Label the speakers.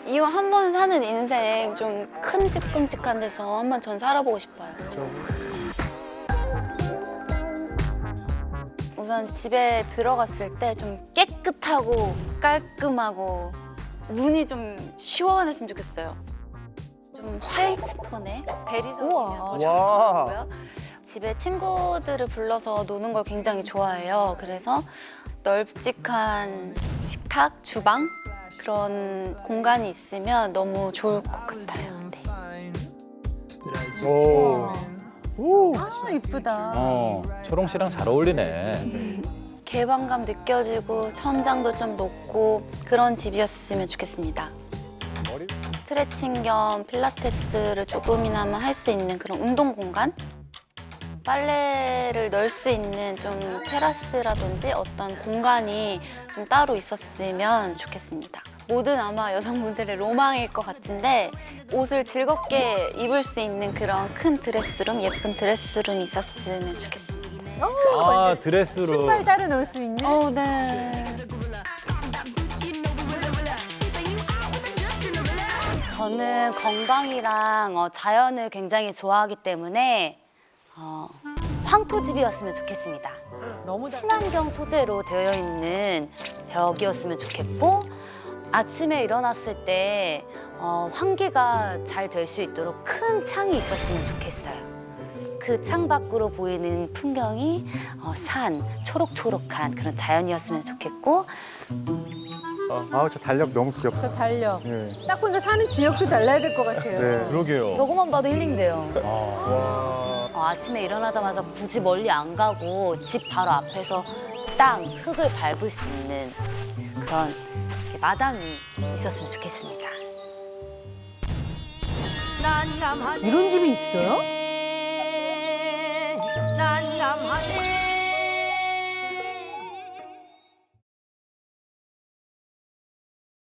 Speaker 1: 이왕 한 번 사는 인생 좀 큼직큼직한 데서 한번 전 살아보고 싶어요. 우선 집에 들어갔을 때 좀 깨끗하고 깔끔하고 눈이 좀 시원했으면 좋겠어요. 좀 화이트 톤의 대리석이면 더 좋을 것 같고요. 집에 친구들을 불러서 노는 걸 굉장히 좋아해요. 그래서 넓직한 식탁, 주방 그런 공간이 있으면 너무 좋을 것 같아요. 네.
Speaker 2: 아, 이쁘다.
Speaker 3: 초롱 씨랑 잘 어울리네.
Speaker 1: 개방감 느껴지고 천장도 좀 높고 그런 집이었으면 좋겠습니다. 스트레칭 겸 필라테스를 조금이나마 할 수 있는 그런 운동 공간? 빨래를 넣을 수 있는 좀 테라스라든지 어떤 공간이 좀 따로 있었으면 좋겠습니다. 모든 아마 여성분들의 로망일 것 같은데 옷을 즐겁게 입을 수 있는 그런 큰 드레스룸, 예쁜 드레스룸이 있었으면 좋겠습니다.
Speaker 3: 아, 드레스룸.
Speaker 2: 신발 따로 넣을 수 있는?
Speaker 1: 네.
Speaker 4: 저는 건강이랑 자연을 굉장히 좋아하기 때문에 황토집이었으면 좋겠습니다.
Speaker 2: 너무
Speaker 4: 친환경 소재로 되어 있는 벽이었으면 좋겠고 아침에 일어났을 때 환기가 잘 될 수 있도록 큰 창이 있었으면 좋겠어요. 그 창 밖으로 보이는 풍경이 산, 초록초록한 그런 자연이었으면 좋겠고
Speaker 5: 아우 저 달력 너무 귀엽다.
Speaker 2: 저 달력.
Speaker 5: 예.
Speaker 2: 딱 보니까 사는 지역도 달라야 될 것 같아요.
Speaker 5: 네.
Speaker 3: 그러게요.
Speaker 4: 저거만 봐도 힐링돼요.
Speaker 3: 와.
Speaker 4: 아침에 일어나자마자 굳이 멀리 안 가고 집 바로 앞에서 땅, 흙을 밟을 수 있는 그런 이렇게 마당이 있었으면 좋겠습니다.
Speaker 2: 이런 집이 있어요?